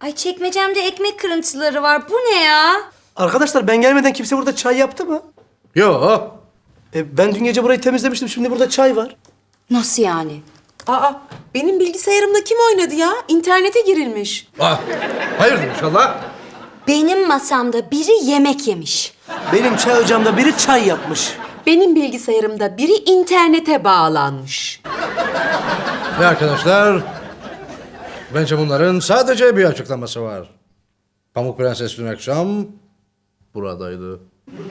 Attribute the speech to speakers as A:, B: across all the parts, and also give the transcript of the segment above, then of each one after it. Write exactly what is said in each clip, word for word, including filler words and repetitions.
A: Ay çekmecemde ekmek kırıntıları var. Bu ne ya?
B: Arkadaşlar ben gelmeden kimse burada çay yaptı mı?
C: Yo.
B: E, ben dün gece burayı temizlemiştim. Şimdi burada çay var.
A: Nasıl yani?
D: Aa, benim bilgisayarımda kim oynadı ya? İnternete girilmiş.
C: Ah, hayırdır inşallah.
A: Benim masamda biri yemek yemiş.
B: Benim çay ocağımda biri çay yapmış.
D: Benim bilgisayarımda biri internete bağlanmış.
C: Ve arkadaşlar, bence bunların sadece bir açıklaması var. Pamuk Prenses dün akşam buradaydı.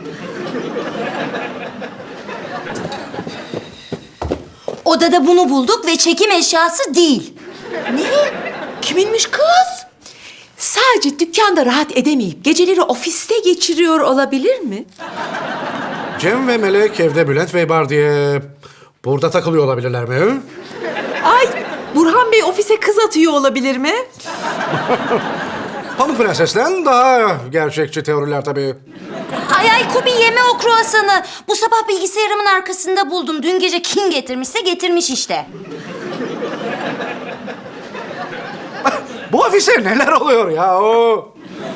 A: Odada bunu bulduk ve çekim eşyası değil.
D: Kiminmiş kız? Sadece dükkanda rahat edemeyip geceleri ofiste geçiriyor olabilir mi?
C: Cem ve Melek evde Bülent Bey var diye burada takılıyor olabilirler mi?
D: Ay, Burhan Bey ofise kız atıyor olabilir mi?
C: Pamuk Prenses'ten daha gerçekçi teoriler tabii.
A: Ay ay Kubi yeme o kruvasanı. Bu sabah bilgisayarımın arkasında buldum. Dün gece kim getirmişse getirmiş işte.
C: Bu ofise neler oluyor ya o?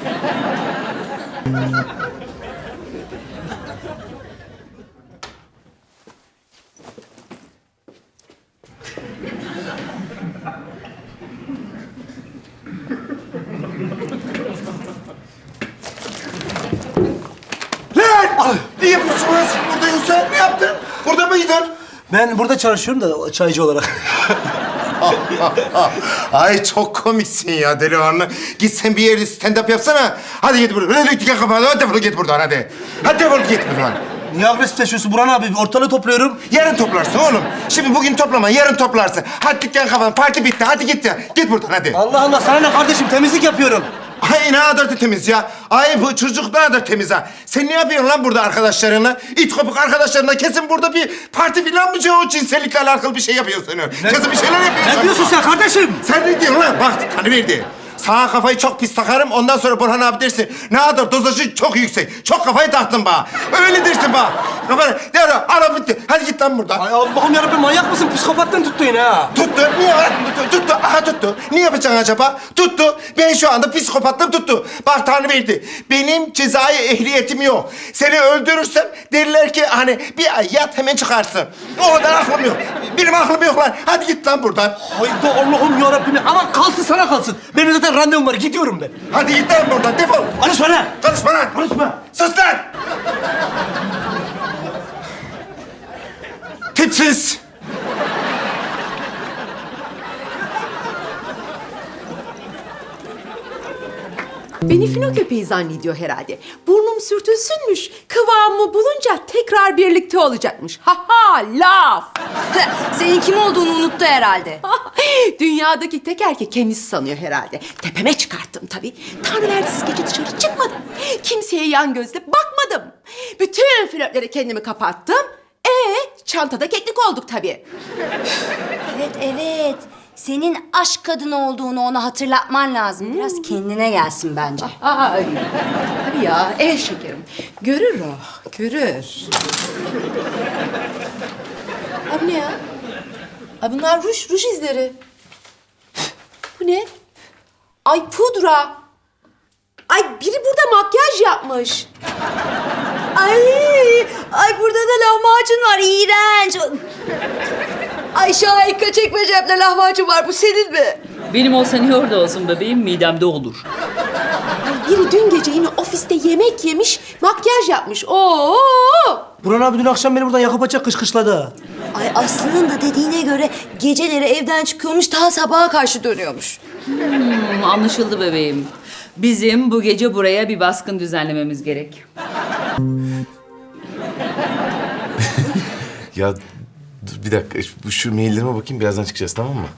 E: Lan! Ne yapıyorsun lan sen burada yoksa? Ne yaptın? Burada mıydın?
B: Ben burada çalışıyorum da çaycı olarak.
E: Ay çok komiksin ya delikanlı. Git sen bir yerde stand-up yapsana. Hadi git buradan. Hadi git kapat. Hadi defol git buradan hadi. Hadi defol git buradan.
B: Niye agresifleşiyorsun Burhan abi? Ortalığı topluyorum.
E: Yarın toplarsın oğlum. Şimdi bugün toplama, yarın toplarsın. Hadi dükkan kapan, parti bitti. Hadi git ya. Git buradan hadi.
B: Allah Allah sana ne kardeşim? Temizlik yapıyorum.
E: Ay ne kadar da temiz ya. Ay bu çocuk ne kadar temiz ha. Sen ne yapıyorsun lan burada arkadaşlarınla? İt kopuk arkadaşlarınla kesin burada bir parti falan mı? O cinsellikle alakalı bir şey yapıyorsun. Kesin bir şeyler yapıyorsun.
B: Ne diyorsun sen kardeşim?
E: Sen ne diyorsun lan? Bak tanıverdi. Sağa kafayı çok pis takarım. Ondan sonra Burhan abi dersin. Ne kadar dozajı çok yüksek. Çok kafayı taktın bana. Öyle dersin bana. Kafanı. Devre ara bitti. Hadi git lan buradan.
B: Ay Allah'ım yarabbim manyak mısın? Psikopattan tuttu yine ha.
E: Tuttu. Niye lan? Tuttu. Tuttu. Aha tuttu. Ne yapacaksın acaba? Tuttu. Ben şu anda psikopatlığım tuttu. Bak Tanrıverdi. Benim cezai ehliyetim yok. Seni öldürürsem derler ki hani bir ay yat hemen çıkarsın. O kadar aklım yok. Benim aklım yok lan. Hadi git lan buradan.
B: Hayda Allah'ım yarabbim. Ama kalsın sana kalsın. Benim zaten randevum var. Gidiyorum ben.
E: Hadi git lan buradan. Defol.
B: Konuşma lan.
E: Konuşma lan.
B: Konuşma.
E: Sus lan. Tipsiz.
D: Beni fino köpeği zannediyor herhalde. Burnum sürtülsünmüş. Kıvamımı bulunca tekrar birlikte olacakmış. Ha ha laf.
A: Senin kim olduğunu unuttu herhalde.
D: Dünyadaki tek erkek kendisi sanıyor herhalde. Tepeme çıkarttım tabii. Tanrı verdisi gece dışarı çıkmadım. Kimseye yan gözle bakmadım. Bütün flörtlere kendimi kapattım. Ee, çantada keklik olduk tabii.
A: Evet evet. Senin aşk kadını olduğunu ona hatırlatman lazım. Biraz kendine gelsin bence.
D: Ay, tabii ya, eh şekerim. Görür o, görür. Abi ne ya? Ay bunlar ruj, ruj izleri. Bu ne? Ay pudra. Ay biri burada makyaj yapmış.
A: Ay, ay burada da lahmacun var. İğrenç. Ay Şahika çekmecemde lahmacun var. Bu senin mi?
F: Benim olsa niye orada olsun bebeğim? Midemde olur.
D: Ay biri dün gece yine ofiste yemek yemiş, makyaj yapmış. Oo!
B: Burhan abi dün akşam beni buradan yakıp açacak kışkışladı ha.
A: Ay Aslı'nın da dediğine göre geceleri evden çıkıyormuş, daha sabaha karşı dönüyormuş.
F: Hmm, anlaşıldı bebeğim. Bizim bu gece buraya bir baskın düzenlememiz gerek.
G: Ya dur bir dakika şu, şu maillerime bakayım birazdan çıkacağız tamam mı?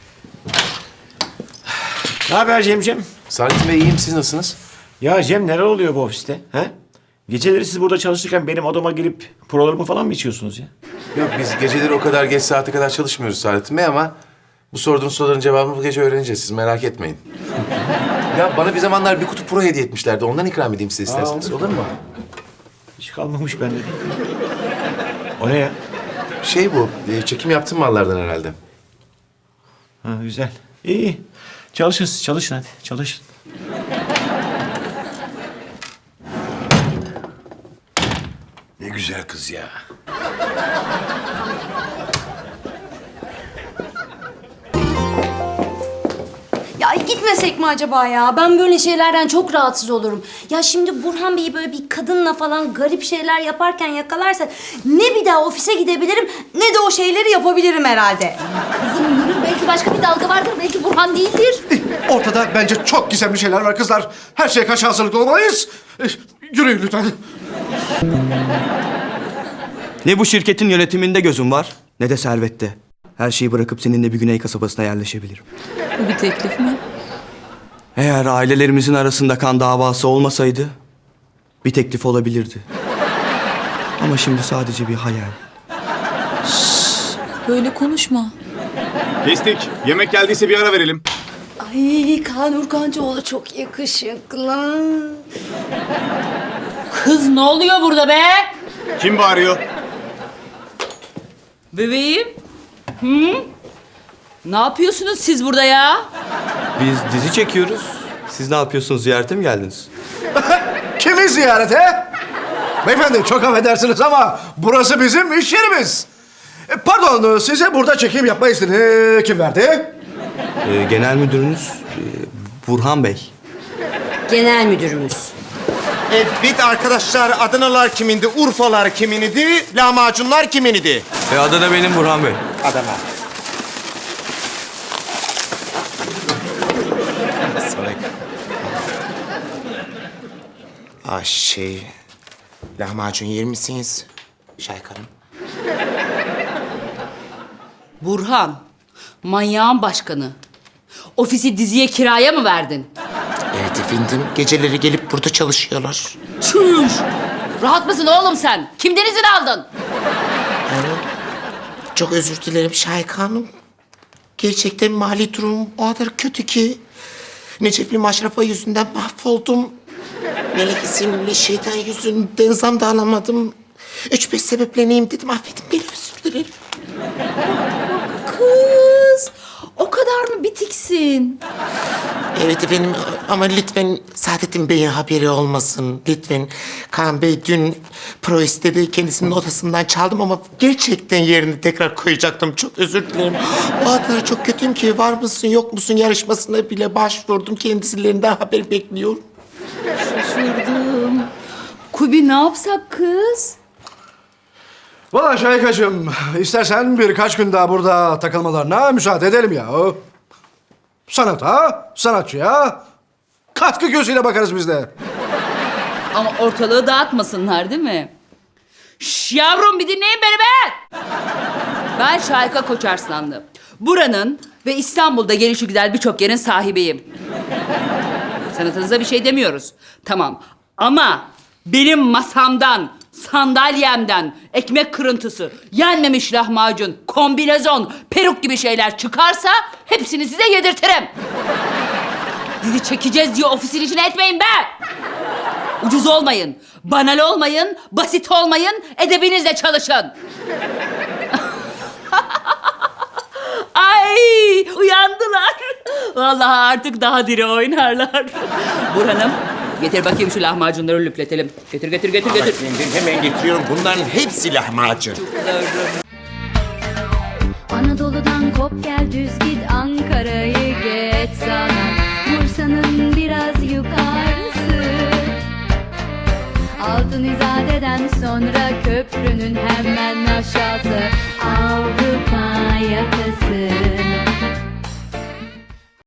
H: Ne haber Cemcem?
G: Saadettin Bey iyiyim siz nasılsınız?
H: Ya Cem neler oluyor bu ofiste? He? Geceleri siz burada çalışırken benim odama girip prolarımı falan mı içiyorsunuz ya?
G: Yok biz geceleri o kadar geç saate kadar çalışmıyoruz Saadettin Bey ama bu sorduğunuz soruların cevabını bu gece öğreneceğiz siz merak etmeyin. Ya bana bir zamanlar bir kutu pro hediye etmişlerdi ondan ikram edeyim size isterseniz
H: Aa,
G: olur mu?
H: Hiç kalmamış bende. O ne ya?
G: Şey bu e, çekim yaptığım mallardan herhalde.
H: Ha güzel. İyi. Çalışın siz çalışın hadi çalışın. Ne güzel kız ya.
A: Ya gitmesek mi acaba ya? Ben böyle şeylerden çok rahatsız olurum. Ya şimdi Burhan Bey'i böyle bir kadınla falan garip şeyler yaparken yakalarsa ne bir daha ofise gidebilirim ne de o şeyleri yapabilirim herhalde.
F: Kızım yürü, belki başka bir dalga vardır, belki Burhan değildir.
C: Ortada bence çok gizemli şeyler var kızlar. Her şeye karşı hazırlıklı olmalıyız. Eh, Yürüyün lütfen.
B: Ne bu şirketin yönetiminde gözüm var ne de servette. Her şeyi bırakıp seninle bir güney kasabasına yerleşebilirim.
F: Bu bir teklif mi?
B: Eğer ailelerimizin arasında kan davası olmasaydı bir teklif olabilirdi. Ama şimdi sadece bir hayal.
F: Böyle konuşma.
H: Kestik. Yemek geldiyse bir ara verelim.
A: Ay Kaan Urkancıoğlu çok yakışıklı.
F: Kız ne oluyor burada be?
H: Kim bağırıyor?
F: Bebeğim. Hı? Ne yapıyorsunuz siz burada ya?
B: Biz dizi çekiyoruz. Siz ne yapıyorsunuz? Ziyarete mi geldiniz?
C: Kimi ziyarete? Beyefendi çok affedersiniz ama burası bizim iş yerimiz. E, Pardon, size burada çekim yapma izni kim verdi?
B: Ee, genel müdürünüz e, Burhan Bey.
A: Genel müdürümüz.
E: Evet arkadaşlar, Adanalar kimindi, Urfalar kiminidi, lahmacunlar kiminidi?
B: E, adı da benim Burhan Bey.
E: Adana. Sorry. Ah şey, lahmacun yer misiniz Şahika Hanım?
F: Burhan, manyağın başkanı. Ofisi diziye kiraya mı verdin?
E: Evet efendim, geceleri gelip burada çalışıyorlar.
F: Çüş! Rahat mısın oğlum sen? Kimden izin aldın?
E: Çok özür dilerim Şahika Hanım. Gerçekten mali durum o kadar kötü ki... Necefli maşrafa yüzünden mahvoldum. Melek isimli şeytan yüzünden zam da alamadım. Üç beş sebepleneyim dedim, affedin beni, özür dilerim.
F: Kız, o kadar mı bitiksin?
E: Evet efendim ama lütfen Saadettin Bey'in haberi olmasın. Lütfen. Kaan Bey dün pro istedi. Kendisinin odasından çaldım ama gerçekten yerini tekrar koyacaktım. Çok özür dilerim. O kadar çok kötüyüm ki var mısın yok musun yarışmasına bile başvurdum. Kendisilerinden haber bekliyorum.
F: Şaşırdım. Kubi ne yapsak kız?
C: Valla Şahikacığım, istersen birkaç gün daha burada takılmalarına müsaade edelim ya. Sanata, sanatçıya katkı gözüyle bakarız biz de.
F: Ama ortalığı dağıtmasınlar değil mi? Şş, yavrum bir dinleyin beni be! Ben Şahika Koçarslanlı. Buranın ve İstanbul'da gelişi güzel birçok yerin sahibiyim. Sanatınıza bir şey demiyoruz. Tamam. Ama benim masamdan, sandalyemden ekmek kırıntısı, yenmemiş lahmacun, kombinezon, peruk gibi şeyler çıkarsa hepsini size yedirtirim. Dizi çekeceğiz diye ofisin içine etmeyin be! Ucuz olmayın, banal olmayın, basit olmayın, edebinizle çalışın. Ay uyandılar. Vallahi artık daha diri oynarlar. Burhan'ım getir bakayım şu lahmacunları lüpletelim. Getir getir getir getir.
E: Hemen getiriyorum. Bunların hepsi lahmacun.
I: Anadolu'dan kop gel düz git Ankara'yı geç sana Bursa'nın biraz yukarısı Altın İzade'den sonra köprünün hemen aşağısı